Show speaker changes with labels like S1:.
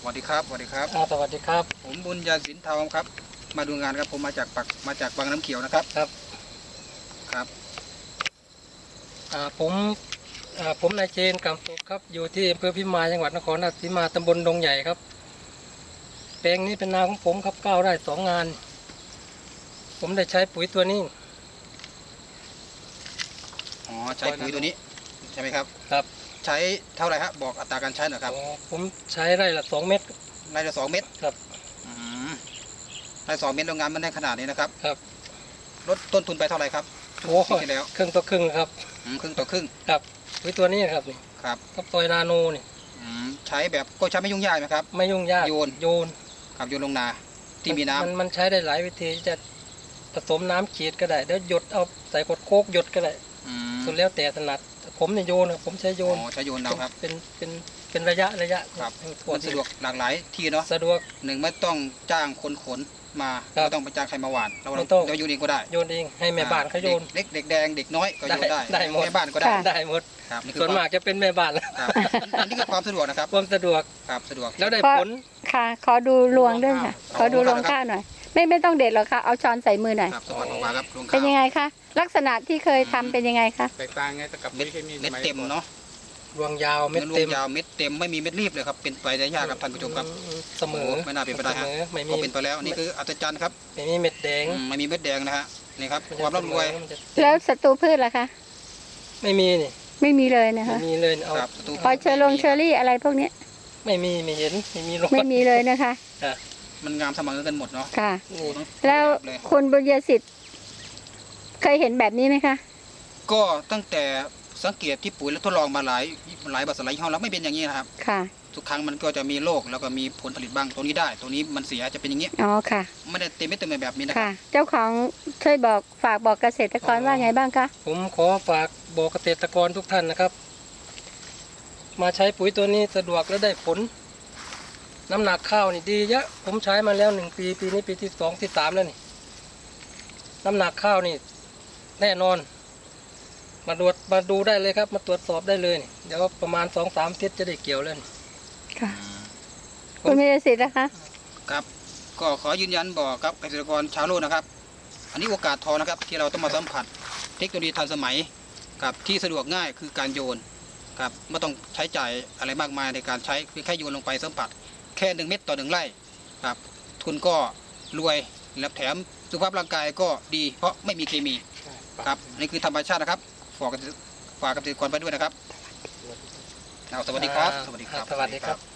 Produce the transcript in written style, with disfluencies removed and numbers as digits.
S1: วัสดีครับสวัสดีครับ
S2: สวัสดีครับ
S1: ผมบุญญาสินทองครับมาดูงานครับผมมาจากบางน้ำเขียวนะครับ
S2: ครับ
S1: ครับ
S2: ผมนายเจนกำสุขครับอยู่ที่อำเภอพิมายจังหวัดนครราชสีมาตำบลดงใหญ่ครับแปลงนี้เป็นนาของผมครับก้าวได้2 งานผมได้ใช้ปุ๋ยตัวนี้
S1: อ๋อใช้ปุ๋ยตัวนี้ใช่ไหมครับ
S2: ครับ
S1: ใช้เท่าไหร่ครับบอกอัตราการใช้หน่อยครับ
S2: ผมใช้ไร่ละ2 เม็ด
S1: ไร่ละ2 เม็ด
S2: ครับ
S1: ไร่2 เม็ดโรงงานมันได้ขนาดนี้นะครับ
S2: ครับ
S1: ลดต้นทุนไปเท่าไหร่ครับ
S2: โอ้
S1: ที่แล้ว
S2: ครึ่งต่อครึ่งครับ
S1: ครึ่งต่อครึ่ง
S2: ครับปุ๋ยตัวนี้ครับนี่
S1: ครับ
S2: กับซอยนาโนนี่
S1: ใช้แบบก็ใช้ไม่ยุ่งยากไหมครับ
S2: ไม่ยุ่งยาก
S1: โยนครับโยนลงนาที่มีน้ำ
S2: มันใช้ได้หลายวิธีจะผสมน้ำฉีดก็ได้แล้วหยดเอาใส่ขวดโคกหยดก็ได้สุดแล้วแต่ถนัดผมเนี่ยโยนผมใช้โยน
S1: ใช้โยนเอาครับ
S2: เป็นระยะ
S1: ครับมันสะดวกหลากหลายที่เนาะ
S2: สะดวก
S1: หนึ่งไม่ต้องจ้างคนขนมาไม่ต้องไปจ้างใครมาหว่านเราโยนเองก็ได้
S2: โยนเองให้แม่บ้านเขาโยน
S1: เด็กแดงเด็กน้อยก็โยนได้
S2: หมด
S1: แม่บ้านก็ได้
S2: ได้หมดส่วนมากจะเป็นแม่บ้าน
S1: อันนี้คือความสะดวกนะครับ
S2: ความสะดวก
S1: ครับสะดวก
S2: แล้วได้ผล
S3: ค่ะขอดูรวงด้วยค่ะขอดูรวงข้าวหน่อยไม่ต้องเด็ดหรอกค่ะเอาช้อนใส่มือหน่อย
S1: สวัสดีครับรวงข้าว
S3: เป็นยังไงคะลักษณะที่เคยทำเป็นยังไงคะ
S4: แตกต่างไงกับ
S1: เม็ดเต็มเนาะ
S2: รวงยาวเม็ดเต็ม
S1: เม็ดเต็มไม่มีเม็ดรีบเลยครับเป็นไปได้ยากครับท่านผู้ชมครับ
S2: เสมอ
S1: ไม่น่าเป็นไปได้ฮะก็เป็นไปแล้วนี่คืออัศจรรย์ครับ
S2: ไม่มีเม็ดแดง
S1: ไม่มีเม็ดแดงนะฮะนี่ครับความร่ำรวย
S3: แล้วศัตรูพืชล่ะคะ
S2: ไม่มีนี่
S3: ไม่มีเลยนะคะ
S2: ไม่มีเลยเอา
S3: พอเชอรี่อะไรพวกนี้
S2: ไม่มีไม่เห็นไม่มี
S3: ไม่มีเลยนะคะ
S1: มันงามเสมอกันหมดเนาะ
S3: ค่ะแล้วคุณบุญญสิทธิ์เคยเห็นแบบนี้ไหมคะ
S1: ก็ตั้งแต่สังเกตที่ปุ๋ยแล้วทดลองมาหลายบริษัทหลายยี่ห้อแล้วไม่เป็นอย่างนี้นะครับ
S3: ค่ะ
S1: ทุกครั้งมันก็จะมีโรคแล้วก็มีผลผลิตบ้างตัวนี้ได้ตัวนี้มันเสียจะเป็นอย่างนี้
S3: อ๋อค่ะ
S1: ไม่ได้เต็มไม่เต็มแบบนี้นะ
S3: ค่ะเจ้าของช่วยฝากบอกเกษตรกรว่าไงบ้างคะ
S2: ผมขอฝากบอกเกษตรกรทุกท่านนะครับมาใช้ปุ๋ยตัวนี้สะดวกและได้ผลน้ำหนักข้าวนี่ดีเยอะผมใช้มาแล้ว1 ปีปีนี้ปีที่2ที่3แล้วนี่น้ำหนักข้าวนี่แน่นอนมาดูได้เลยครับมาตรวจสอบได้เลยเดี๋ยวประมาณ2-3 อาทิตย์จะได้เกี่ยวแล้ว
S3: ค่ะคุณมีสิทธิ์นะคะ
S1: ครับก็ขอยืนยันบอกครับเกษตรกรชาวโลกนะครับอันนี้โอกาสทองนะครับที่เราต้องมาสัมผัสเทคโนโลยีทันสมัยกับที่สะดวกง่ายคือการโยนครับไม่ต้องใช้จ่ายอะไรมากมายในการใช้เพียงแค่โยนลงไปสัมผัสแค่1 เม็ดต่อ1 ไร่ครับทุนก็รวยและแถมสุขภาพร่างกายก็ดีเพราะไม่มีเคมีครับนี่คือธรรมชาตินะครับฝากเกษตรกรไปด้วยนะครับสวัสดีครับ
S2: สวัสดีครับ